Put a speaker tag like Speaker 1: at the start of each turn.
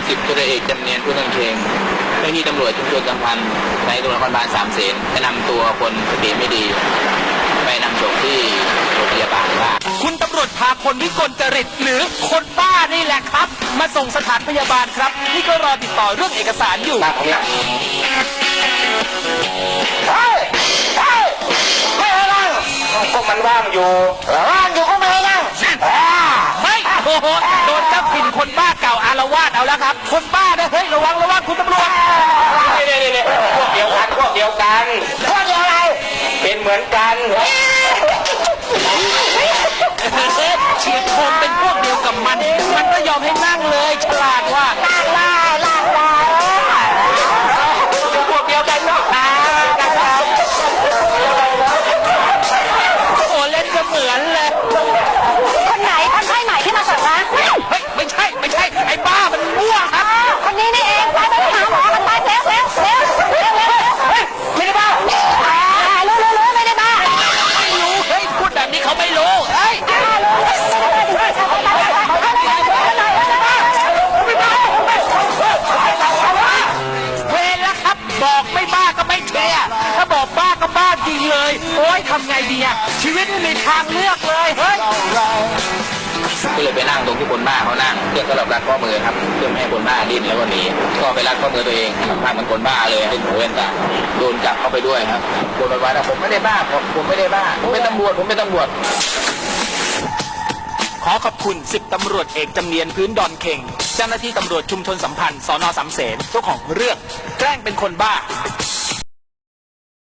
Speaker 1: 10 ตำรวจเอกจำเนียนผู้ต้องเชงเจ้าหน้าที่ตำรวจชุมชนสัมพันธ์ในตำรวจนครบาล3 เสนจะนำตัวคนสติไม่ดีไปนำส่งที่โรงพยาบาลบ้า
Speaker 2: คุณตำรวจพาคนวิกลจริตหรือคนบ้านี่แหละครับ มาส่งสถานพยาบาลครับนี่ก็รอติดต่อเรื่องเอกสารอยู่
Speaker 1: ไม่ให้นั่งก็มันว่างอยู่ก็ไม่ให้นั่ง
Speaker 2: ไม่โอ้โหโดนเจ้าถิ่นคนบ้าเก่าอารวาสเอาแล้วครับคนบ้านะเฮ้ยระวังคุณตำรวจ
Speaker 1: นี่พวกเดียวกันพวกเดียวอะไรเป็นเหมือนกัน
Speaker 2: เฉียดคมเป็นพวกเดียวกับมันก็ยอมให้นั่งเลยฉลาดว่า
Speaker 1: พวกเดียวกันเนาะ
Speaker 2: โอ้เล่นเสมือนเลย
Speaker 3: คนไหนคนไข้ใหม่ที่มาส่งนะ
Speaker 2: ไม่ใช่ไอ้บ้ามันมั่วครับ
Speaker 3: คนนี้นี่เองไปหาหมอกันไปเร็ว
Speaker 2: ไม่ได้บ้า
Speaker 3: รู้ไม่ได้บ้า
Speaker 2: ไม่รู้เฮ้ยพูดแบบนี้เขาไม่รู้เฮ้ยเวรแล้วครับบอกไม่บ้าก็ไม่เชื่อถ้าบอกบ้าก็บ้าจริงเลยโอ๊ยทำไงดีอะชีวิตไม่มีทางเลือกเลยเฮ้ย
Speaker 1: ก็เลยไปนั่งตรงที่คนบ้าเขานั่งเพื่อสำหรับรัดข้อมือครับเพื่อไม่ให้คนบ้าดิ้นแล้วก็หนีก็ไปรัดข้อมือตัวเองทำท่าเหมือนคนบ้าเลยให้หูเว้นตาโดนจับเข้าไปด้วยครับโดนว่าผมไม่ได้บ้าผมไม่ได้บ้าผมเป็นตำรวจ
Speaker 2: ขอขอบคุณ10 ตำรวจเอกจำเนียนพื้นดอนเข่งเจ้าหน้าที่ตำรวจชุมชนสัมพันธ์สน.3 เสนเจ้าของเรื่องแกล้งเป็นคนบ้า